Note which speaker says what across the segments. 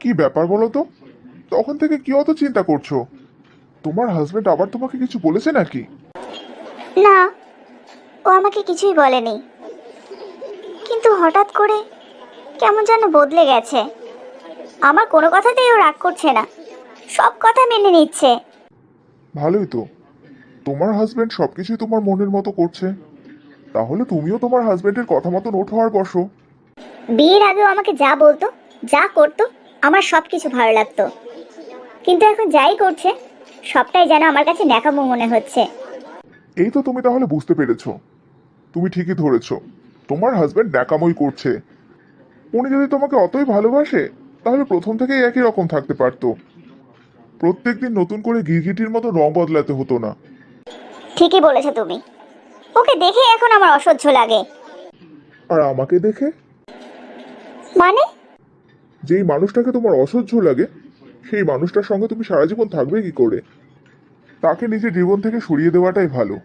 Speaker 1: কি ব্যাপার বলো তো? তখন থেকে কি অত চিন্তা করছো? তোমার হাজবেন্ড আবার তোমাকে কিছু বলেছে নাকি?
Speaker 2: না, ও আমাকে কিছুই বলেনি, কিন্তু হঠাৎ করে কেমন যেন বদলে গেছে। আমার কোনো কথাতেই ও রাগ করছে না, সব কথা মেনে নিচ্ছে।
Speaker 1: ভালোই তো। তোমার হাজবেন্ড সবকিছুই তোমার মনের মতো করছে, তাহলে তুমিও তোমার হাজবেন্ডের কথা মতো ওঠো আর বসো।
Speaker 2: বিয়ের আগেও আমাকে যা বলতো, যা করতো, আমার সব কিছু ভালো লাগতো, কিন্তু এখন যাই করছে সবটাই যেন আমার কাছে ন্যাকামো মনে হচ্ছে।
Speaker 1: এই তো তুমি তাহলে বুঝতে পেরেছো। তুমি ঠিকই ধরেছো, তোমার হাজবেন্ড ন্যাকামোই করছে। উনি যদি তোমাকে অতই ভালোবাসে, তাহলে প্রথম থেকেই একই রকম থাকতে পারতো। প্রত্যেকদিন নতুন করে গিরগিটির মতো রং বদলাতে হতো না।
Speaker 2: ঠিকই বলেছো তুমি, ওকে দেখে এখন আমার অসহ্য লাগে।
Speaker 1: আর আমাকে দেখে?
Speaker 2: মানে?
Speaker 1: যেই মানুষটাকে তোমার অসহ্য লাগে, সেই মানুষটার সঙ্গে তুমি সারা জীবন থাকবে কি করে? তাকে নিজের জীবন থেকে সরিয়ে দেওয়াটাই ভালো।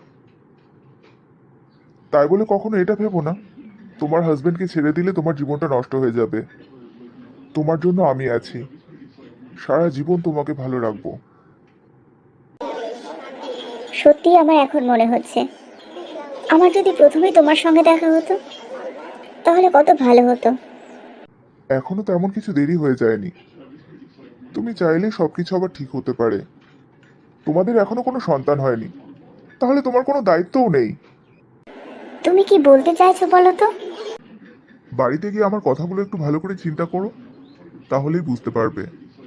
Speaker 1: তাই বলে কখনো এটা ভেবো না তোমার হাজবেন্ডকে ছেড়ে দিলে তোমার জীবনটা নষ্ট হয়ে যাবে। তোমার জন্য আমি আছি, সারা জীবন তোমাকে ভালো রাখবো।
Speaker 2: সত্যি আমার এখন মনে হচ্ছে, আমার যদি প্রথমেই তোমার সঙ্গে দেখা হতো তাহলে কত ভালো হতো।
Speaker 1: এখনো তেমন কিছু দেরি হয়ে যায়নি। তুমি চাইলে সবকিছু আবার ঠিক হতে পারে। তোমাদের এখনো কোনো সন্তান হয়নি, তাহলে তোমার কোনো দায়িত্বও নেই।
Speaker 2: তুমি কি বলতে চাইছো বলো তো?
Speaker 1: বাড়িতে গিয়ে আমার কথাগুলো একটু ভালো করে চিন্তা করো, তাহলেই বুঝতে পারবে।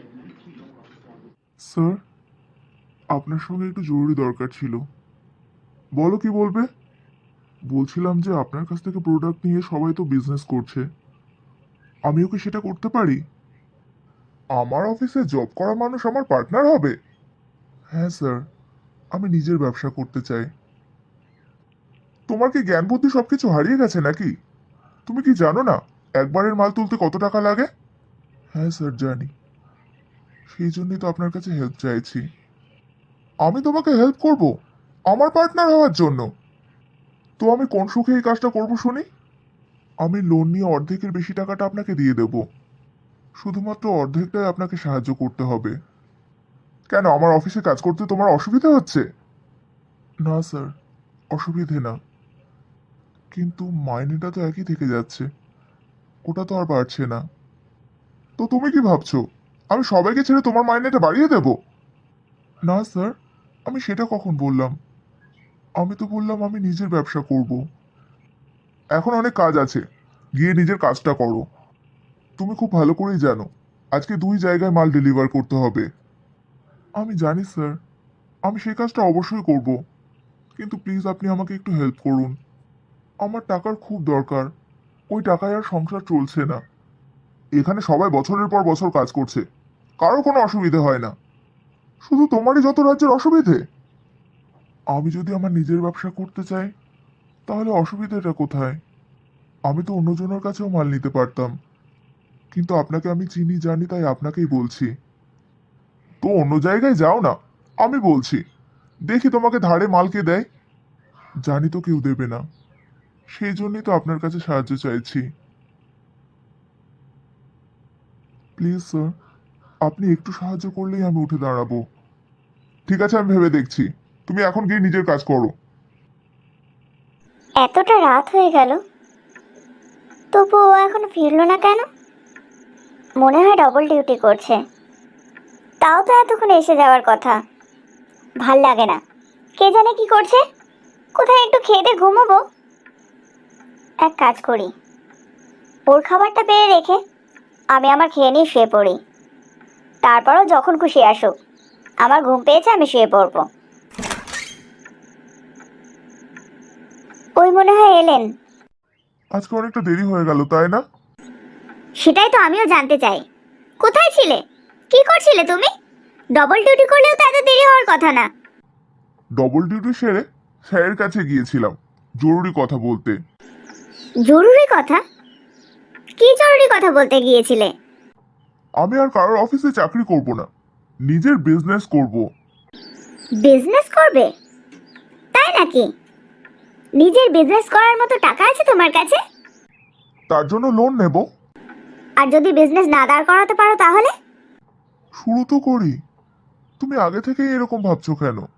Speaker 1: স্যার, আপনার সঙ্গে একটু জরুরি দরকার ছিল। বলো, কি বলবে? বলছিলাম যে আপনার কাছ থেকে প্রোডাক্ট নিয়ে সবাই তো বিজনেস করছে, আমিও কি সেটা করতে পারি? আমার অফিসে জব করা মানুষ আমার পার্টনার হবে? হ্যাঁ স্যার, আমি নিজের ব্যবসা করতে চাই। তোমার কি জ্ঞান বুদ্ধি সবকিছু হারিয়ে গেছে নাকি? তুমি কি জানো না একবারের মাল তুলতে কত টাকা লাগে? হ্যাঁ স্যার, জানি। সেই জন্যই তো আপনার কাছে হেল্প চাইছি। আমি তোমাকে হেল্প করব আমার পার্টনার হওয়ার জন্য? তো আমি কোন সুখে এই কাজটা করবো শুনি? আমি লোন নিয়ে অর্ধেকের বেশি টাকাটা আপনাকে দিয়ে দেব। শুধুমাত্র অর্ধেকটাই আপনাকে সাহায্য করতে হবে। কেন, আমার অফিসে কাজ করতে তোমার অসুবিধা হচ্ছে? না স্যার, অসুবিধে না, কিন্তু মাইনেটা তো একই থেকে যাচ্ছে, ওটা তো আর বাড়ছে না। তো তুমি কি ভাবছো আমি সবাইকে ছেড়ে তোমার মাইনেটা বাড়িয়ে দেব? না স্যার, আমি সেটা কখন বললাম? আমি তো বললাম আমি নিজের ব্যবসা করব। এখন অনেক কাজ আছে, গিয়ে নিজের কাজটা করো। তুমি খুব ভালো করেই জানো আজকে 2 জায়গায় মাল ডেলিভার করতে হবে। আমি জানি স্যার, আমি সেই কাজটা অবশ্যই করব, কিন্তু প্লিজ আপনি আমাকে একটু হেল্প করুন। আমার টাকার খুব দরকার, ওই টাকায় আর সংসার চলছে না। এখানে সবাই বছরের পর বছর কাজ করছে, কারো কোনো অসুবিধে হয় না, শুধু তোমারই যত রাজ্যের অসুবিধে। আমি যদি আমার নিজের ব্যবসা করতে চাই, তাহলে অসুবিধাটা কোথায়? আমি তো অন্যজনের কাছেও মাল নিতে পারতাম, কিন্তু আপনাকে আমি চিনি জানি তাই আপনাকেই বলছি। তো অন্য জায়গায় যাও না, আমি বলছি। দেখি তোমাকে ধারে মাল কে দেয়। জানি তো কেউ দেবে না, সেই জন্যই তো আপনার কাছে সাহায্য চাইছি। প্লিজ স্যার, আপনি একটু সাহায্য করলেই আমি উঠে দাঁড়াবো। ঠিক আছে, আমি ভেবে দেখছি। তুমি এখন গিয়ে নিজের কাজ করো।
Speaker 2: এতটা রাত হয়ে গেল, তবু ও এখনো ফিরলো না কেন? মনে হয় ডবল ডিউটি করছে। তাও তো এতক্ষণে এসে যাওয়ার কথা। ভাল লাগে না, কে জানে কি করছে। কোথায় একটু খেয়ে দিয়ে ঘুমোবো। এক কাজ করি, ওর খাবারটা পেয়ে রেখে আমি আমার খেয়ে নিয়ে শুয়ে পড়ি। তারপরও যখন খুশি আসুক, আমার ঘুম পেয়েছে, আমি শুয়ে পড়বো। ওই মনে হয় এলেন।
Speaker 1: আজকে অনেকটা দেরি হয়ে গেল, তাই না?
Speaker 2: সেটাই তো আমিও জানতে চাই, কোথায় ছিলে, কি করছিলে তুমি? ডবল ডিউটি করলেও তো এত দেরি হওয়ার কথা না।
Speaker 1: ডবল ডিউটি সেরে স্যারের কাছে গিয়েছিলাম জরুরি কথা বলতে।
Speaker 2: জরুরি কথা? কি জরুরি কথা বলতে গিয়েছিলে?
Speaker 1: আমি আর কারোর অফিসে চাকরি করব না, নিজের বিজনেস করব।
Speaker 2: বিজনেস করবে? তাই নাকি? নিজের বিজনেস করার মতো টাকা আছে তোমার কাছে?
Speaker 1: তার জন্য লোন নেব।
Speaker 2: আর যদি বিজনেস না দাঁড় করাতে পারো তাহলে?
Speaker 1: শুরু তো করি। তুমি আগে থেকেই এরকম ভাবছো কেন?